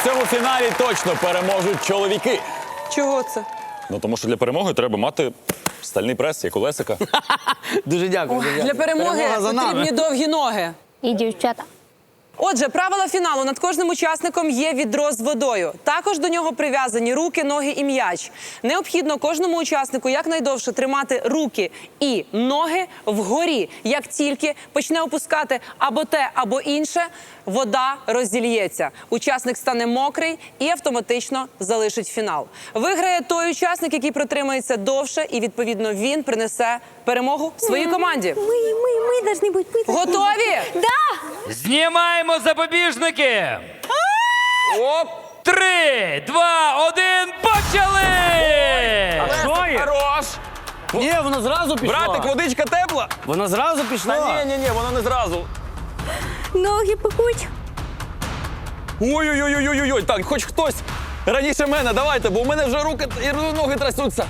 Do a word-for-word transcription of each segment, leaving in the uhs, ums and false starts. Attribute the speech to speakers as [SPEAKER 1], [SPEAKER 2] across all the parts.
[SPEAKER 1] цьому фіналі точно переможуть чоловіки.
[SPEAKER 2] Чого це?
[SPEAKER 1] Ну, тому що для перемоги треба мати стальний прес, як у Лесика.
[SPEAKER 3] Дуже дякую. дуже
[SPEAKER 2] Для
[SPEAKER 3] дякую.
[SPEAKER 2] перемоги
[SPEAKER 3] Перемога за нами.
[SPEAKER 2] потрібні довгі ноги.
[SPEAKER 4] І дівчата.
[SPEAKER 2] Отже, правила фіналу. Над кожним учасником є відро з водою. Також до нього прив'язані руки, ноги і м'яч. Необхідно кожному учаснику якнайдовше тримати руки і ноги вгорі. Як тільки почне опускати або те, або інше, вода розільється. Учасник стане мокрий і автоматично залишить фінал. Виграє той учасник, який протримається довше, і, відповідно, він принесе перемогу своїй команді.
[SPEAKER 4] Ми, ми, ми должны бути. Ми должны
[SPEAKER 2] Готові?
[SPEAKER 4] бути. Да!
[SPEAKER 5] Знімаємо запобіжники! Оп! Три, два, один, почали!
[SPEAKER 1] Хорош!
[SPEAKER 3] Ні, воно зразу пішло.
[SPEAKER 1] Братик, водичка тепла?
[SPEAKER 3] Воно зразу пішло.
[SPEAKER 1] Та ні, ні, ні, воно не зразу.
[SPEAKER 4] Ноги пекуть.
[SPEAKER 1] Ой-ой-ой-ой-ой, так, хоч хтось раніше мене, давайте, бо у мене вже руки і ноги трясуться.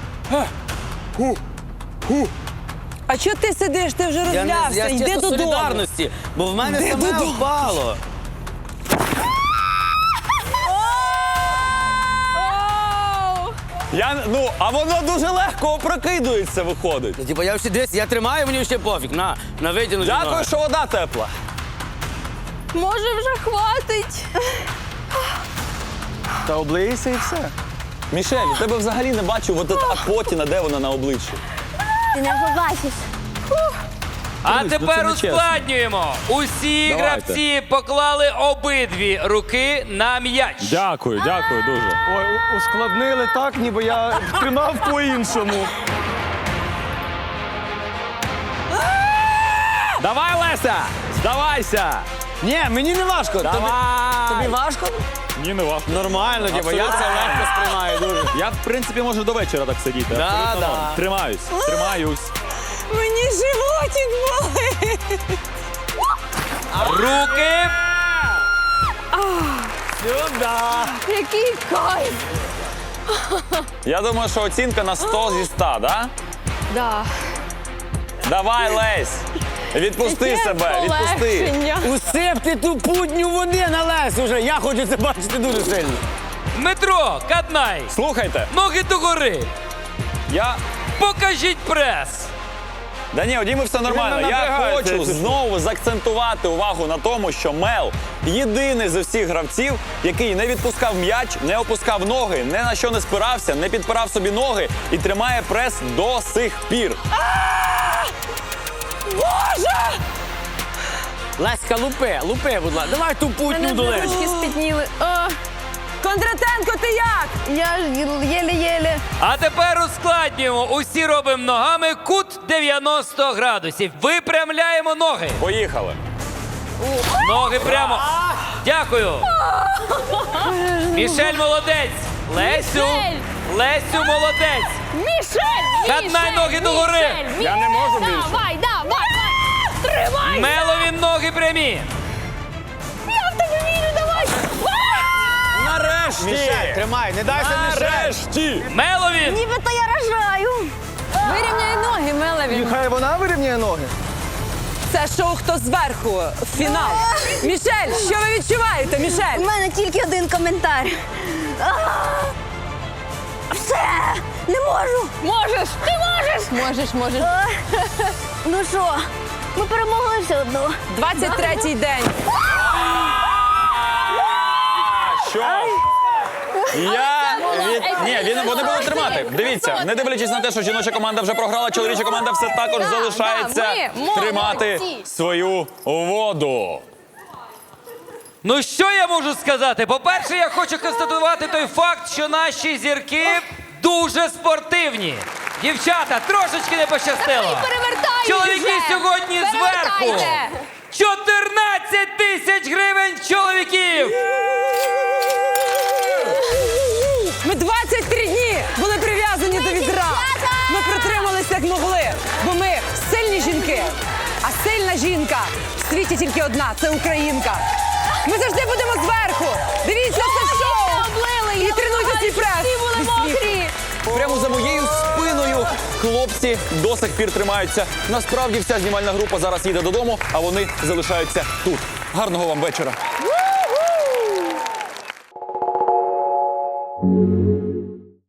[SPEAKER 2] А чого ти сидиш? Ти вже
[SPEAKER 3] Я, не,
[SPEAKER 2] розлявся.
[SPEAKER 3] я
[SPEAKER 2] Йди
[SPEAKER 3] чисто
[SPEAKER 2] додому.
[SPEAKER 3] солідарності, бо в мене
[SPEAKER 2] Йди
[SPEAKER 3] саме
[SPEAKER 2] додому.
[SPEAKER 3] впало.
[SPEAKER 1] Я, ну, а воно дуже легко опрокидується, виходить.
[SPEAKER 3] Ну, Типа я всі десь, я тримаю, мені ще пофіг. На, на витягнути
[SPEAKER 1] Дякую,
[SPEAKER 3] ноги.
[SPEAKER 1] що вода тепла.
[SPEAKER 4] Може вже хватить.
[SPEAKER 1] Та облийся і все. Мішель, у тебе взагалі не бачу от та патіна, де вона на обличчі.
[SPEAKER 4] Ти не побачиш.
[SPEAKER 5] А
[SPEAKER 1] Друзі, ну
[SPEAKER 5] тепер
[SPEAKER 1] це не чесно.
[SPEAKER 5] ускладнюємо. Усі
[SPEAKER 1] Давайте.
[SPEAKER 5] гравці поклали обидві руки на м'яч.
[SPEAKER 1] Дякую, дякую дуже.
[SPEAKER 6] Ой, у- ускладнили так, ніби я тримав по-іншому.
[SPEAKER 1] Давай, Леся! Здавайся!
[SPEAKER 3] Ні, мені не важко. Тобі,
[SPEAKER 1] Давай!
[SPEAKER 3] тобі важко?
[SPEAKER 1] Ні, не важко.
[SPEAKER 3] Нормально, типа, я це легко сприймаю дуже.
[SPEAKER 1] Я, в принципі, можу до вечора так сидіти.
[SPEAKER 3] Да,
[SPEAKER 1] Абсолютно
[SPEAKER 3] да.
[SPEAKER 1] норм. Тримаюсь, тримаюсь.
[SPEAKER 2] Мені животик болить.
[SPEAKER 5] Руки.
[SPEAKER 3] Сюда.
[SPEAKER 4] Який кайф.
[SPEAKER 1] Я думаю, що оцінка на сто зі ста, да?
[SPEAKER 4] Да.
[SPEAKER 1] Давай, Лесь! Відпусти себе, відпусти.
[SPEAKER 3] Усипте ту путню води на лес уже. Я хочу це бачити дуже сильно.
[SPEAKER 5] Дмитро, Каднай.
[SPEAKER 1] Слухайте,
[SPEAKER 5] Ноги догори.
[SPEAKER 1] я...
[SPEAKER 5] Покажіть прес.
[SPEAKER 1] Да ні, у Діми все нормально.
[SPEAKER 3] Він
[SPEAKER 1] Я
[SPEAKER 3] напрягається.
[SPEAKER 1] хочу знову заакцентувати увагу на тому, що Мел єдиний з усіх гравців, який не відпускав м'яч, не опускав ноги, ні на що не спирався, не підпирав собі ноги і тримає прес до сих пір.
[SPEAKER 3] Леська, лупи, лупи, будь ласка. Давай ту путню до лес.
[SPEAKER 4] Ручки спітніли. О,
[SPEAKER 2] Кондратенко, ти як?
[SPEAKER 4] я ж єле-єле.
[SPEAKER 5] А тепер ускладнюємо. Усі робимо ногами кут дев'яносто градусів. Випрямляємо ноги.
[SPEAKER 1] Поїхали.
[SPEAKER 5] Ноги прямо. Дякую. Мішель молодець. Лесю. Лесю молодець.
[SPEAKER 4] Мішель!
[SPEAKER 5] Каднай ноги догори.
[SPEAKER 4] Я не можу більше. Давай, давай, давай. Тримай.
[SPEAKER 5] Мелові ноги прямі.
[SPEAKER 4] Я в тебе вірю, давай.
[SPEAKER 1] Нарешті!
[SPEAKER 3] Мішель, тримай, не дайся Мішель.
[SPEAKER 1] Нарешті!
[SPEAKER 5] Мелові.
[SPEAKER 4] Нібито я рожаю.
[SPEAKER 2] Вирівняй ноги, Мелеві.
[SPEAKER 6] Хай вона вирівняє ноги.
[SPEAKER 2] Це шоу «Хто зверху?» Фінал. Мішель, що ви відчуваєте,
[SPEAKER 4] У
[SPEAKER 2] Мішель?
[SPEAKER 4] мене тільки один коментар. А! Все! Не можу! Можеш! Ти можеш! Можеш, можеш. Ну що, ми перемогли все одно.
[SPEAKER 2] двадцять третій день.
[SPEAKER 1] Що? Я від... Ні, він, вони будуть тримати. Дивіться, не дивлячись на те, що жіноча команда вже програла, чоловіча команда все також
[SPEAKER 4] Да,
[SPEAKER 1] залишається
[SPEAKER 4] да, ми молодці.
[SPEAKER 1] тримати свою воду.
[SPEAKER 5] Ну що я можу сказати? По-перше, я хочу констатувати той факт, що наші зірки дуже спортивні. Дівчата, трошечки не пощастило.
[SPEAKER 4] Перевертайте
[SPEAKER 5] Чоловіки
[SPEAKER 4] вже!
[SPEAKER 5] сьогодні зверху.
[SPEAKER 4] Перевертайте!
[SPEAKER 5] чотирнадцять тисяч гривень чоловіків.
[SPEAKER 2] Ми двадцять три дні були прив'язані до відра. Ми протрималися як могли, бо ми сильні жінки. А сильна жінка в світі тільки одна – це українка. Ми завжди будемо зверху. Дивіться це шоу. І тренуйте свій прес.
[SPEAKER 4] Всі були
[SPEAKER 2] Зі сміху.
[SPEAKER 4] мокрі.
[SPEAKER 1] Прямо за моєю спиною хлопці до сих пір тримаються. Насправді вся знімальна група зараз їде додому, а вони залишаються тут. Гарного вам вечора.
[SPEAKER 4] Ой.